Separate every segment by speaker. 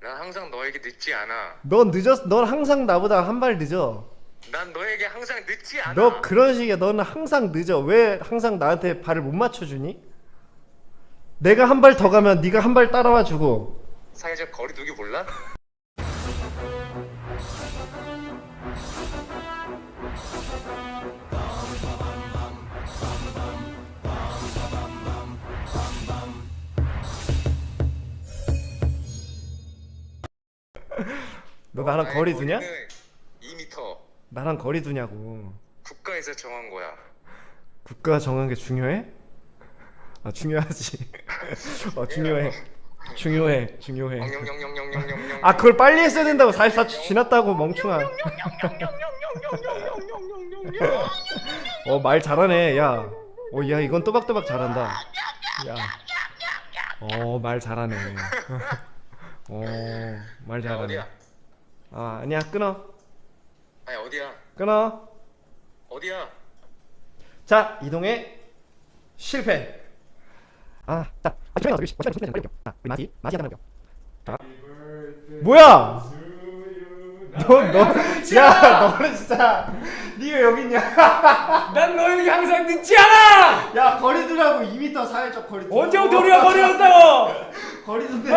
Speaker 1: 난 항상 너에게 늦지 않아.
Speaker 2: 넌 늦었. 넌 항상 나보다 한 발 늦어.
Speaker 1: 난 너에게 항상 늦지 않아.
Speaker 2: 너 그런 식이야. 너는 항상 늦어. 왜 항상 나한테 발을 못 맞춰주니? 내가 한 발 더 가면 네가 한 발 따라와 주고.
Speaker 1: 사회적 거리두기 몰라?
Speaker 2: 너 나랑
Speaker 1: 나의
Speaker 2: 거리 두냐?
Speaker 1: 거리는 2m.
Speaker 2: 나랑 거리 두냐고.
Speaker 1: 국가에서 정한 거야.
Speaker 2: 국가 정한 게 중요해? 아 중요하지. 중요해. 중요해.
Speaker 1: 엉영영영영영영영.
Speaker 2: 아 그걸 빨리 했어야 된다고. 44초 지났다고 멍충아. 말 잘하네. 야. 야 이건 또박또박 잘한다. 야. 말 잘하네. 말
Speaker 1: 야,
Speaker 2: 잘하네.
Speaker 1: 어디야?
Speaker 2: 아니야 끊어.
Speaker 1: 아니 어디야?
Speaker 2: 끊어.
Speaker 1: 어디야?
Speaker 2: 자 이동해. 실패. 자 조용히 나와. 시간이 빨리 빨리 자 우리 마지 하나 볼게요. 자 뭐야? 너는 진짜 니가 여기 있냐?
Speaker 3: 난 너에게 항상 늦지 않아!
Speaker 2: 야 거리 두라고. 2m 사회적 거리 두.
Speaker 3: 언제부터 우리가 거리였다고!
Speaker 2: 거리 두는데.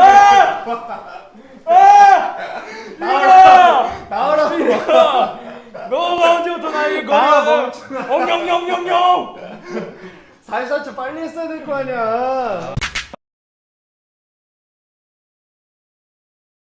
Speaker 2: 나오라고.
Speaker 3: 너가 언제부터 나에게
Speaker 2: 아,
Speaker 3: 거리였다! 엉영영영영!
Speaker 2: 44초 빨리 했어야 될 거 아니야.